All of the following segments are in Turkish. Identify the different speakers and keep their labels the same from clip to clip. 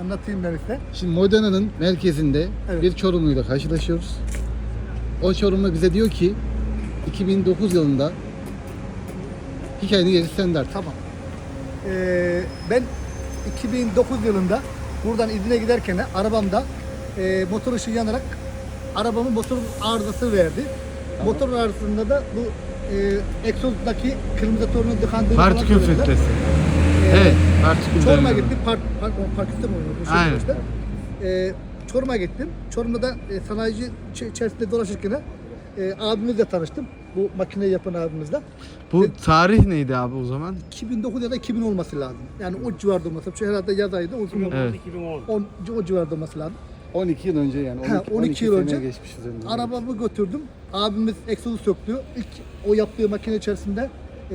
Speaker 1: Anlatayım ben size.
Speaker 2: Şimdi Modana'nın merkezinde
Speaker 1: Evet.
Speaker 2: bir Çorumluyla karşılaşıyoruz. O Çorumlu bize diyor ki 2009 yılında hikayenin gerisi sende artık.
Speaker 1: Tamam. Ben 2009 yılında buradan İzmir'e giderken arabamda motor ışığı yanarak arabamın motor arızası verdi.
Speaker 2: Tamam.
Speaker 1: Motor arızasında da bu egzozdaki kırmızı torunun tıkandığını
Speaker 3: Partikül
Speaker 1: söylediler.
Speaker 3: filtresi. Evet, partikül
Speaker 1: Çorum'a
Speaker 3: deniyor.
Speaker 1: gittim. Parküste mi oluyor? Bu şey
Speaker 3: Aynen.
Speaker 1: işte. Çorum'a gittim. Çorum'da da sanayici içerisinde dolaşırken abimizle tanıştım. Bu makineyi yapan abimizle.
Speaker 3: Bu tarih neydi abi o zaman?
Speaker 1: 2009 ya da 2000 olması lazım. Yani o civarda olması. Şu herhalde yaz ayıydı.
Speaker 3: Evet.
Speaker 1: O civarda olması lazım.
Speaker 2: 12 yıl önce yani.
Speaker 1: 12 yıl önce
Speaker 2: geçmiş üzerinden.
Speaker 1: arabamı götürdüm. Abimiz egzozu söktü. İlk o yaptığı makine içerisinde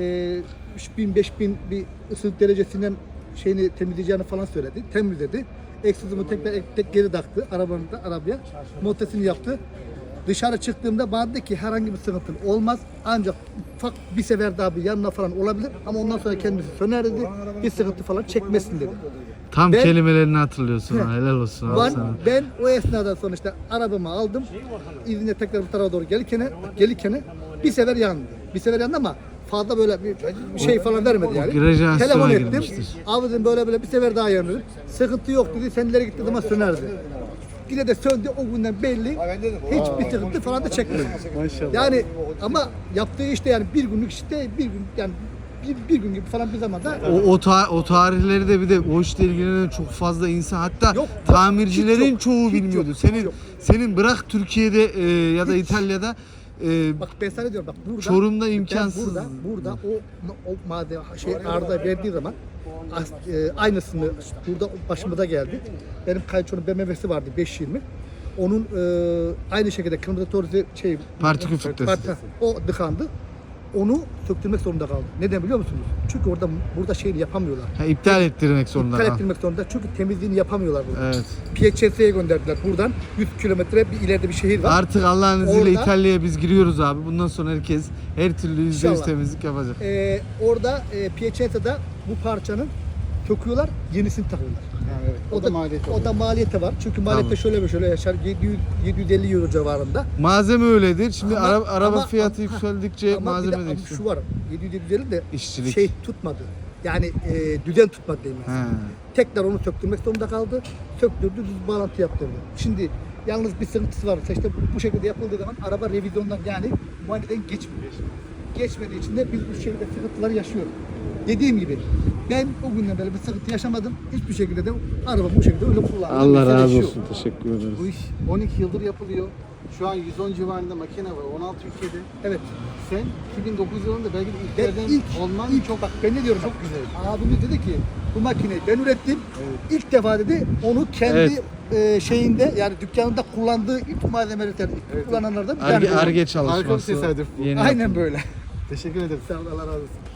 Speaker 1: 3000 5000 bir ısı derecesinden şeyini temizleyeceğini falan söyledi. Temizledi. Egzozumu tekrar geri taktı arabaya. Montesini yaptı. Dışarı çıktığımda bana dedi ki herhangi bir sıkıntın olmaz. Ancak ufak bir sefer daha bir yanına falan olabilir. Ama ondan sonra kendisi söner dedi. Bir sıkıntı falan çekmesin dedi.
Speaker 3: Tam
Speaker 1: Ben-
Speaker 3: kelimelerini hatırlıyorsun ha. Helal olsun abi
Speaker 1: Ben,
Speaker 3: sana.
Speaker 1: ben o esnada sonra işte arabamı aldım. İzine tekrar bu tarafa doğru gelirken bir sefer yandı. Bir sefer yandı ama fazla böyle bir şey falan vermedi yani.
Speaker 3: Grajasyona
Speaker 1: Telefon ettim.
Speaker 3: girmiştir.
Speaker 1: Abi dedim böyle bir sefer daha yandı. Sıkıntı yok dedi. Senlere gittiği zaman sönerdi. Yine de söndü o günden belli. Hiçbir sıkıntı falan da çekmedi.
Speaker 2: Maşallah.
Speaker 1: Yani ama yaptığı işte yani bir günlük işte bir gün yani bir gün gibi falan bir zamanda
Speaker 3: O tarihleri de bir de o işle ilgilenen çok fazla insan hatta
Speaker 1: Yok,
Speaker 3: tamircilerin
Speaker 1: hiç yok,
Speaker 3: çoğu
Speaker 1: hiç
Speaker 3: bilmiyordu.
Speaker 1: yok,
Speaker 3: Senin
Speaker 1: hiç yok.
Speaker 3: senin bırak Türkiye'de ya da
Speaker 1: Hiç.
Speaker 3: İtalya'da
Speaker 1: bak ben sana diyorum bak burada
Speaker 3: Çorum'da
Speaker 1: ben
Speaker 3: imkansız.
Speaker 1: burada o madde arıza verdiği zaman aynısını burada başımıza geldi. Benim kayınçonun BMW'si vardı 520. Onun aynı şekilde kırmızı torzi
Speaker 3: Partikül filtresi.
Speaker 1: o tıkandı. Onu söktürmek zorunda kaldı. Neden biliyor musunuz? Çünkü burada şeyini yapamıyorlar.
Speaker 3: Ha, iptal ettirmek zorunda.
Speaker 1: İptal
Speaker 3: Ha.
Speaker 1: ettirmek zorunda. Çünkü temizliğini yapamıyorlar burada.
Speaker 3: Evet.
Speaker 1: PHS'ye gönderdiler buradan. 100 kilometre bir ileride bir şehir var.
Speaker 3: Artık Allah'ın izniyle
Speaker 1: Orada-
Speaker 3: İtalya'ya biz giriyoruz abi. Bundan sonra herkes her türlü %100
Speaker 1: İnşallah.
Speaker 3: temizlik yapacak.
Speaker 1: Orada PHS'de bu parçanın söküyorlar, yenisini takıyorlar.
Speaker 2: Yani evet. O da maliyeti
Speaker 1: O da maliyeti var. Çünkü maliyette
Speaker 3: Tamam.
Speaker 1: şöyle yaşar. 750 euro civarında.
Speaker 3: Malzeme öyledir. Şimdi
Speaker 1: Ama-
Speaker 3: araba
Speaker 1: ama-
Speaker 3: fiyatı
Speaker 1: ama-
Speaker 3: yükseldikçe
Speaker 1: Ama bir
Speaker 3: malzeme
Speaker 1: de
Speaker 3: de
Speaker 1: ama
Speaker 3: yükseliyor.
Speaker 1: şu var. 750 de
Speaker 3: İşçilik.
Speaker 1: şey tutmadı. Yani düzen tutmadı diyeyim ben.
Speaker 3: He.
Speaker 1: Tekrar onu söktürmek zorunda kaldı. Söktürdü, düz bağlantı yaptırdı. Şimdi yalnız bir sıkıntısı var. İşte bu şekilde yapıldığı zaman araba revizyondan yani muayeneden geçmiyor. Geçmediği için de biz bu şekilde sıkıntılar yaşıyoruz. Dediğim gibi ben o günden beri bir sıkıntı yaşamadım. Hiçbir şekilde de arabamı bu şekilde öyle kullandım.
Speaker 3: Allah
Speaker 1: Mesele
Speaker 3: razı
Speaker 1: şu.
Speaker 3: olsun. Teşekkür ederiz.
Speaker 2: Bu iş 12 yıldır yapılıyor. Şu an 110 civarında makine var. 16 ülkede.
Speaker 1: Evet.
Speaker 2: Sen 2009 yılında belki de
Speaker 1: Ben
Speaker 2: ilklerden olman çok
Speaker 1: bak ben ne diyorum?
Speaker 2: çok güzel.
Speaker 1: Abimiz dedi ki bu makineyi ben ürettim. İlk defa dedi onu kendi
Speaker 3: Evet.
Speaker 1: şeyinde yani dükkanında kullandığı ilk malzemelerden kullananlardan bir
Speaker 3: Arge
Speaker 1: tanesi.
Speaker 3: çalışması.
Speaker 2: Harika bir tesadüf bu.
Speaker 3: Yeni
Speaker 1: Aynen böyle.
Speaker 2: Teşekkür ederim.
Speaker 1: Sağ ol, Allah razı olsun.